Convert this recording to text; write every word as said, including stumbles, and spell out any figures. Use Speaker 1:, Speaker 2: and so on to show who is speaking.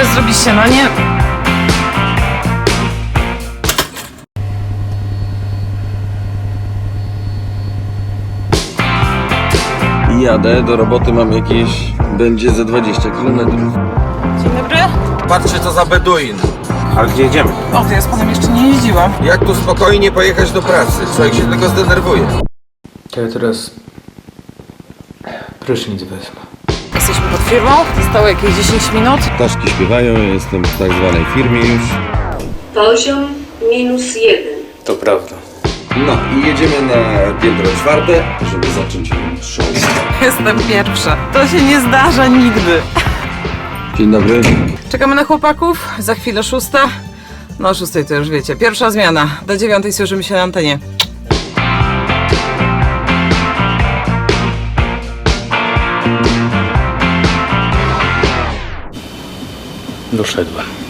Speaker 1: Muszę zrobić śniadanie.
Speaker 2: Jadę, do roboty mam jakieś, będzie ze dwadzieścia kilometrów.
Speaker 1: Dzień dobry.
Speaker 3: Patrzcie, co za beduin.
Speaker 2: Ale gdzie jedziemy?
Speaker 1: O, to ja z panem jeszcze nie jeździłam.
Speaker 3: Jak tu spokojnie pojechać do pracy? Człowiek się tylko zdenerwuje.
Speaker 4: To ja teraz prysznic wezmę.
Speaker 1: Jesteśmy pod firmą. Zostało jakieś dziesięć minut.
Speaker 2: Ptaszki śpiewają, jestem w tak zwanej firmie już.
Speaker 5: Poziom minus jeden.
Speaker 4: To prawda.
Speaker 2: No i jedziemy na piętro czwarte, żeby zacząć show.
Speaker 1: Jestem pierwsza. To się nie zdarza nigdy.
Speaker 2: Dzień dobry.
Speaker 1: Czekamy na chłopaków. Za chwilę szósta. No o szóstej to już wiecie. Pierwsza zmiana. Do dziewiątej słyszymy się na antenie.
Speaker 4: Doszedłem.